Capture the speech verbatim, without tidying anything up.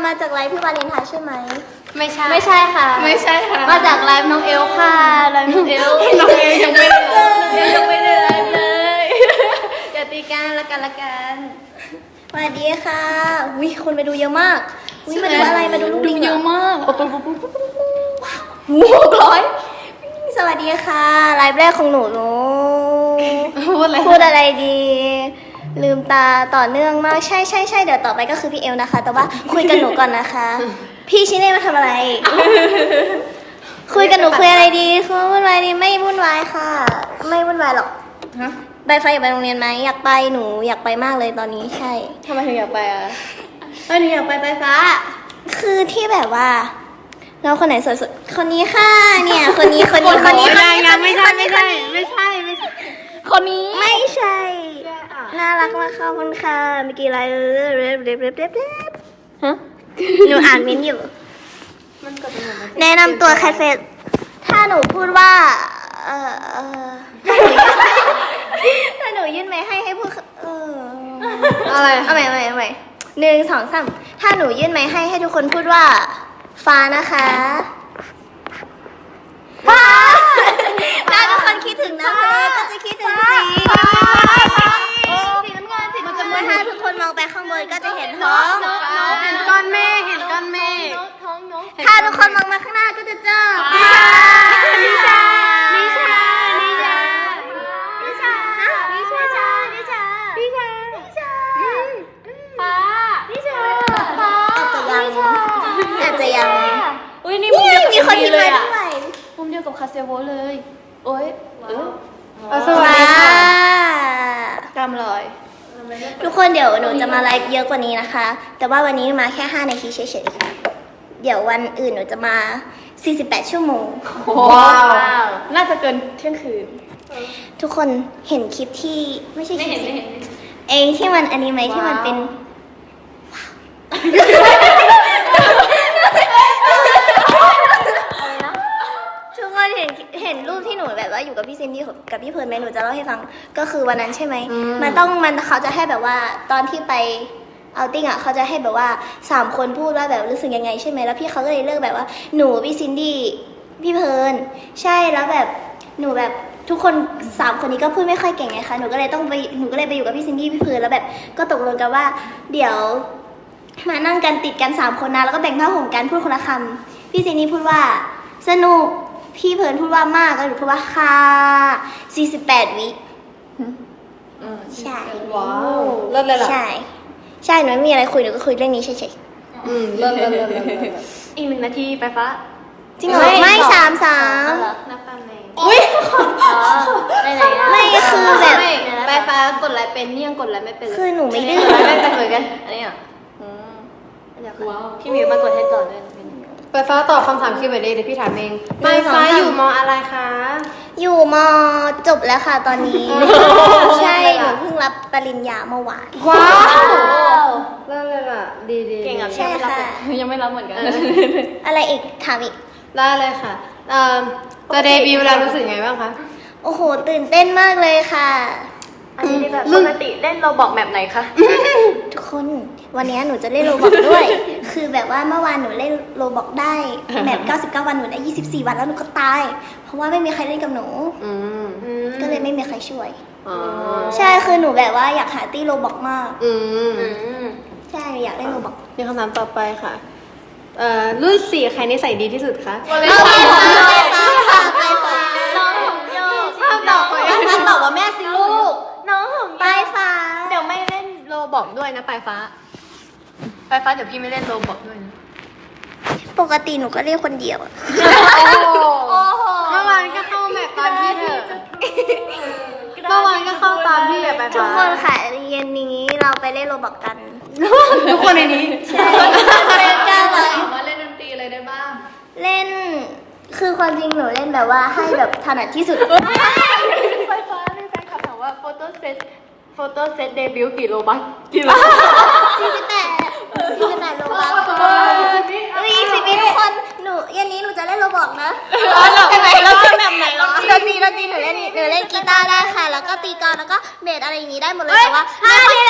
มาจากไลฟ์พี่วาเลนไทน์ใช่ไหมไม่ใช่ไม่ใช่ค่ะไม่ใช่ค่ะมาจากไลฟ์น้องเอลค่ะไลฟ์น้องเอลน้องเอลยังไม่ได้ยังไม่ได้ไลฟ์เลยอย่าตีกันละกันละกันสวัสดีค่ะวิคนไปดูเยอะมากวิมาดูอะไรมาดูลูกลิงเยอะมากหกร้อยสวัสดีค่ะไลฟ์แรกของหนูหนูพูดอะไรพูดอะไรดีลืมตาต่อเนื่องมากใช่ใช่ใช่เดี๋ยวต่อไปก็คือพี่เอลนะคะแต่ว่าคุยกับหนูก่อนนะคะพี่ชิเน่มาทำอะไร คุยกับหนูคุยอะไรดีคุยวุ่นวายดีไม่วุ่นวายค่ะไม่วุ่นวายหรอกใบไฟอยากไปโรงเรียนไหมอยากไปหนูอยากไปมากเลยตอนนี้ใช่ทำไมถึงอยากไปอ่ะไม่หนูอยากไปไฟฟ้าคือที่แบบว่าเราคนไหนสวยสุดคนนี้ค่ะเนี่ยคนนี้คนนี้คนนี้คนนี้ยังไม่ใช่ไม่ใช่ไม่ใช่ไม่ใช่คนนี้ไม่ใช่น่ารักมากค่ะคุณค่ะเมื่อกี้อะไรเร็บเร็บเร็บเร็บเร็บฮะหนูอ่านมิ้นอยู่แนะนำตัวแคทเฟสถ้าหนูพูดว่าเออเออถ้าหนูยื่นไม้ให้ให้พูดเอออะไรเอาใหม่เอาใหม่เอาใหม่หนึ่งสองสามถ้าหนูยื่นไม้ให้ให้ทุกคนพูดว่าฟ้านะคะฟ้าถ้าทุกคนคิดถึงน้ำทะเลก็จะคิดถึงสีสีน้ำเงินสีน้ำเงินถ้าทุกคนมองไปข้างบนก็จะเห็นท้องเห็นก้อนเมฆเห็นก้อนเมฆถ้าทุกคนมองมาข้างหน้าก็จะเจอนิชานิชานิชานิชานิชานิชานิชานิชานิชาฟ้านิชาฟ้าอาจจะยังอาจจะยังอุ้ยนี่มุมเดียวกับมีคนยิ้มเลยอ่ะมุมเดียวกับคาเซโวเลยโอ้ยเออสวัสดีค่ะกำลอยทุกคนเดี๋ยวหนูจะมาไลฟ์เยอะกว่านี้นะคะแต่ว่าวันนี้มาแค่ห้านาทีเฉยๆค่ะเดี๋ยววันอื่นหนูจะมาสี่สิบแปดชั่วโมงว้าวน่าจะเกินเที่ยงคืนทุกคนเห็นคลิปที่ไม่ใช่คลิปเองที่มันอันนี้ไหมที่มันเป็นทุกคนเห็นเห็นรูปที่หนูแบบว่าอยู่กับพี่ซินดี้กับพี่เพิร์นไหมหนูจะเล่าให้ฟังก็คือวันนั้นใช่ไหมมันต้องมันเขาจะให้แบบว่าตอนที่ไปเอาติ้งอ่ะเขาจะให้แบบว่าสามคนพูดว่าแบบรู้สึกยังไงใช่ไหมแล้วพี่เขาก็เลยเลือกแบบว่าหนูพี่ซินดี้พี่เพิร์นใช่แล้วแบบหนูแบบทุกคนสามคนนี้ก็พูดไม่ค่อยเก่งไงคะหนูก็เลยต้องไปหนูก็เลยไปอยู่กับพี่ซินดี้พี่เพิร์นแล้วแบบก็ตกลงกันว่าเดี๋ยวมานั่งกันติดกันสามคนนะแล้วก็แบ่งผ้าห่มกันพูดคนละคำพี่ซินดี้พูดว่าสนุกพี่เพิร์นพูดว่ามากแล้วหนูพูดว่าค่ะสี่สิบแปดวิใช่ว้าวเลิศเลยล่ะใช่ใช่หนูไม่มีอะไรคุยหนูก็คุยเรื่องนี้เฉยๆอืมเลิศเลิศเลิศอีกหนึ่งนาทีไปฟ้าจริงเหรอไม่สามสามนับตามในอุ้ยไม่คือแบบไปฟ้ากดไลค์เป็นนี่ยังกดไลค์ไม่เป็นคือหนูไม่ดื้อไม่เป็นเหมือนกันอันนี้อ่ะว้าวพี่มิวมากดให้ต่อด้วยไปฟ้าตอบคำถามคิวเอ็นเอเดี๋ยวพี่ถามเองไปฟ้าอยู่ม.อะไรคะอยู่ม.จบแล้วค่ะตอนนี้ใช่หนูเพิ่งรับปริญญาเมื่อวานว้าวเลิศเลยล่ะดีดีเก่งอ่ะใช่ค่ะยังไม่รับเหมือนกันอะไรอีกถามอีกได้เลยค่ะเอ่อจะเดบิวต์แล้วรู้สึกไงบ้างคะโอ้โหตื่นเต้นมากเลยค่ะอันนี้แบบปกติเล่นโรบอกแบบไหนคะทุกคนวันนี้หนูจะเล่นโรบอกด้วยคือแบบว่าเมื่อวานหนูเล่นโรบอกได้แบบเก้าสิบเก้าวันหนูได้ยี่สิบสี่วันแล้วหนูก็ตายเพราะว่าไม่มีใครเล่นกับหนูก็เลยไม่มีใครช่วยใช่คือหนูแบบว่าอยากหาตี้โรบอกมากใช่อยากเล่นโรบอกมีคำถามต่อไปค่ะเอ่อรุ่นสี่ใครนิสัยดีที่สุดคะไปฟ้าไปฟ้าไปฟ้าน้องของโยถ้าตอบถ้าตอบว่าแม่สิลูกน้องของไปฟ้าเดี๋ยวไม่เล่นโรบอกด้วยนะไปฟ้าไปฟ้าเดี๋ยวพี่ไม่เล่นโรบอกด้วยนะปกติหนูก็เล่นคนเดียวอะเมื่อวานก็เข้าแบบตามพี่เถอะเมื่อวานก็เข้าตามพี่อะไปฟ้าทุกคนค่ะเย็นนี้เราไปเล่นโรบอกกันทุกคนในนี้ใช่เล่นกันเลยมาเล่นดนตรีอะไรได้บ้างเล่นคือความจริงหนูเล่นแบบว่าให้แบบถนัดที่สุดไฟฟ้ามีแฟนคลับถามว่าโฟโต้เซตโฟโต้เซตเดบิวต์กี่โลบัคกี่โลสี่สิบแปดสี่สิบแปดโลบัคอุ้ยสิบปีทุกคนหนูเย็นนี้หนูจะเล่นโรบอกนะใช่ไหมแล้วเป็นแบบไหนหรอดนตรีดนตรีหนูเล่นหนูเล่นกีตาร์ได้ค่ะแล้วก็ตีกลองแล้วก็เบสอะไรอย่างนี้ได้หมดเลยแต่ว่าไม่ค่อย